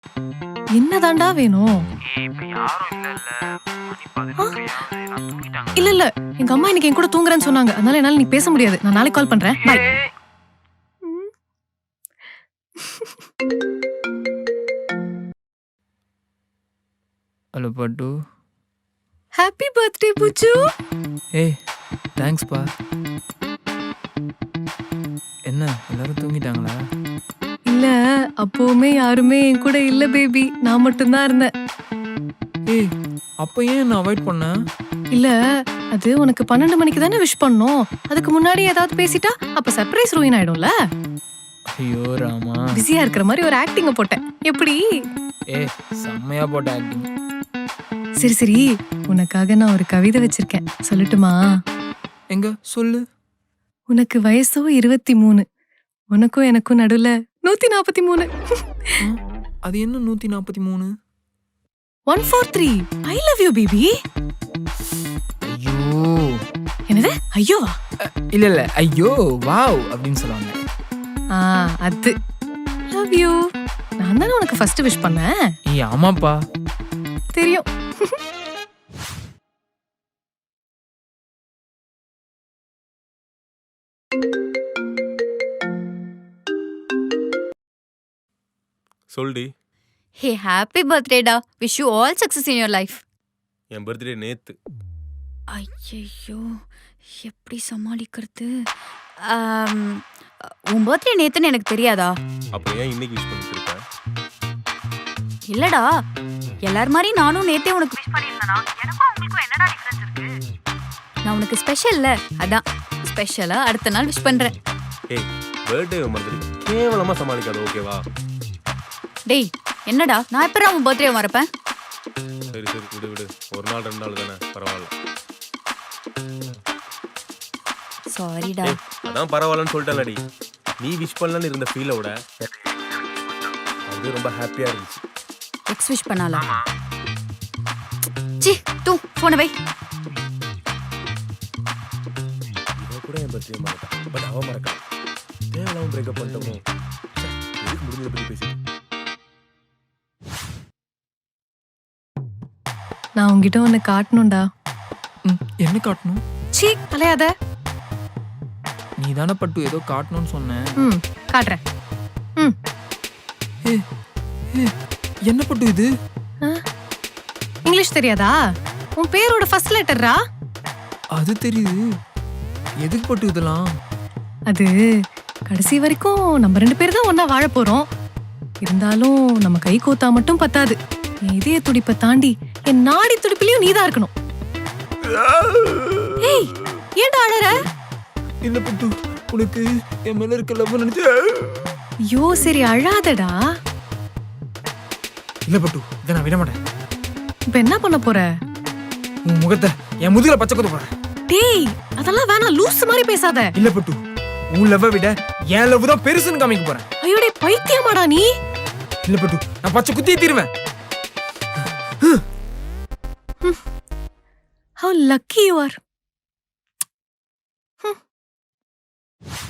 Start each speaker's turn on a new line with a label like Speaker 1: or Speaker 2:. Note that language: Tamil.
Speaker 1: என்னதாண்டா வேணும்?
Speaker 2: இப்ப யாரும் இல்லல்ல. மணி 11 ஆகுது. நான் தூங்கிட்டாங்க.
Speaker 1: இல்ல எங்க அம்மா இன்னைக்கு என் கூட தூங்குறேன்னு சொன்னாங்க. அதனால என்னால நீ பேச முடியாது. நான் நாளைக்கு கால் பண்றேன். பை.
Speaker 3: ஹலோ பட்டு.
Speaker 1: ஹாப்பி பர்த்டே புச்சு.
Speaker 3: ஏய் தேங்க்ஸ்ப்பா. என்ன எல்லாரும் தூங்கிட்டாங்களா?
Speaker 1: இல்ல அப்பவுமே யாருமே என் கூட இல்ல பேபி. நான் மட்டும் தான் இருந்தேன்.
Speaker 3: ஏய் அப்போ ஏன் என்ன அவாய்ட் பண்ண?
Speaker 1: இல்ல அது உனக்கு 12 மணிக்கு தானே விஷ் பண்ணோம். அதுக்கு முன்னாடி ஏதாவது பேசிட்டா அப்ப சர்ப்ரைஸ் ரூயின் ஆயிடும்ல.
Speaker 3: ஐயோ ராமா.
Speaker 1: பிஸியா இருக்கிற மாதிரி ஒரு ஆக்டிங்க போட்டேன். எப்படி?
Speaker 3: ஏய் செம்மையா போட்ட ஆக்டிங்.
Speaker 1: சரி சரி உனக்காக நான் ஒரு கவிதை வச்சிருக்கேன். சொல்லட்டுமா?
Speaker 3: எங்க சொல்லு.
Speaker 1: உனக்கு வயசோ 23. உனக்கும் எனக்கும் நடுவுல 143.
Speaker 3: அது என்ன 143?
Speaker 1: 143. I love you baby.
Speaker 3: ஐயோ.
Speaker 1: என்னது? ஐயோவா?
Speaker 3: இல்ல இல்ல ஐயோ வாவ் அப்படின்னு சொல்லுவாங்க.
Speaker 1: அது லவ் யூ. நான் தானே உனக்கு ஃபர்ஸ்ட் விஷ் பண்ணேன்.
Speaker 3: ஏய் ஆமாப்பா.
Speaker 1: தெரியும்.
Speaker 4: சொல்டி.
Speaker 5: ஹே ஹாப்பி பர்த்டேடா. Wish you all success in your life.
Speaker 4: என் பர்த்டே நேத்து.
Speaker 5: ஐயோ எப்படி சமாளிக்கிறது? உன் பர்த்டே நேத்துன்னு எனக்கு தெரியாதா?
Speaker 4: அப்ப ஏன் இன்னைக்கு விஷ் பண்ணிட்டு இருக்க?
Speaker 5: இல்லடா எல்லார் மாதிரி நானும் நேத்தே உனக்கு விஷ் பண்ணிருந்தேனா? எனக்கும் உங்களுக்கும் என்னடா டிஃபரன்ஸ் இருக்கு? நான் உனக்கு ஸ்பெஷல்ல அதான் ஸ்பெஷலா அடுத்த நாள் விஷ் பண்றேன்.
Speaker 4: ஏய் பர்த்டே மறந்துடு. கேவலமா சமாளிக்காத ஓகேவா?
Speaker 5: டேய் என்னடா நான் எப்பறா உன் பர்த்டே மறப்பேன்?
Speaker 4: சரி சரி விடு விடு. ஒரு நாள் 2 நாள் தானே பரவாயில்ல.
Speaker 5: சாரிடா.
Speaker 4: ஏய் அதான் பரவாயில்லன்னு சொல்லிட்டேன்லடி. நீ விஷ் பண்ணலன்னு இருந்த ஃபீலோட அது ரொம்ப ஹாப்பியா இருந்துச்சு.
Speaker 5: X wish பண்ணாலா? சி தூ போன வை.
Speaker 4: இவ கூட என் பர்த்டே மறக்கா. பட் அவ மறக்கா. தேவலாம பிரேக்கப் பண்ணிட்டோமோ. எதுக்கு முடிஞ்சத பத்தி பேசிட்டு.
Speaker 1: நான் உன்கிட்ட ஒன்னு காட்டணும்டா.
Speaker 3: என்ன காட்டணும்?
Speaker 1: சீ அலையாத.
Speaker 3: நீ தானே பட்டு ஏதோ காட்டணும்னு சொன்ன.
Speaker 1: காட்டுறேன்.
Speaker 3: என்ன பட்டு இது?
Speaker 1: இங்கிலீஷ் தெரியாதா? உன் பேரோட ஃபர்ஸ்ட் லெட்டர்ரா.
Speaker 3: அது தெரியுது. எதுக்கு பட்டு இதெல்லாம்?
Speaker 1: அது கடைசி வரைக்கும் நம்ம 2 பேர் தான் ஒன்னா வாழ போறோம். இருந்தாலும் நம்ம கை கோத்தா மட்டும் பத்தாது. என் இதய துடிப்பை தாண்டி என் நாடி துடிப்பிலையும் நீதான் இருக்கணும். ஏய் ஏன்டா அழற?
Speaker 3: இல்ல பட்டு உனக்கு என் மேல இருக்க லவ் நினைச்சு.
Speaker 1: ஐயோ சரி அழாதடா.
Speaker 3: இல்ல பட்டு இதை நான் விட மாட்டேன்.
Speaker 1: இப்ப என்ன பண்ண போற?
Speaker 3: உன் முகத்தை என் முதுகுல பச்சை குத்த போறேன்.
Speaker 1: டேய் அதெல்லாம் வேணாம், லூஸ் மாதிரி பேசாத.
Speaker 3: இல்ல பட்டு உன் லவ்வை விட என் லவ் தான் பெருசுன்னு காமிக்க போறேன்.
Speaker 1: ஐயோ டேய் பைத்தியமாடா நீ.
Speaker 3: இல்ல பட்டு நான் பச்சை குத்தியே தீருவேன்.
Speaker 1: How lucky you are.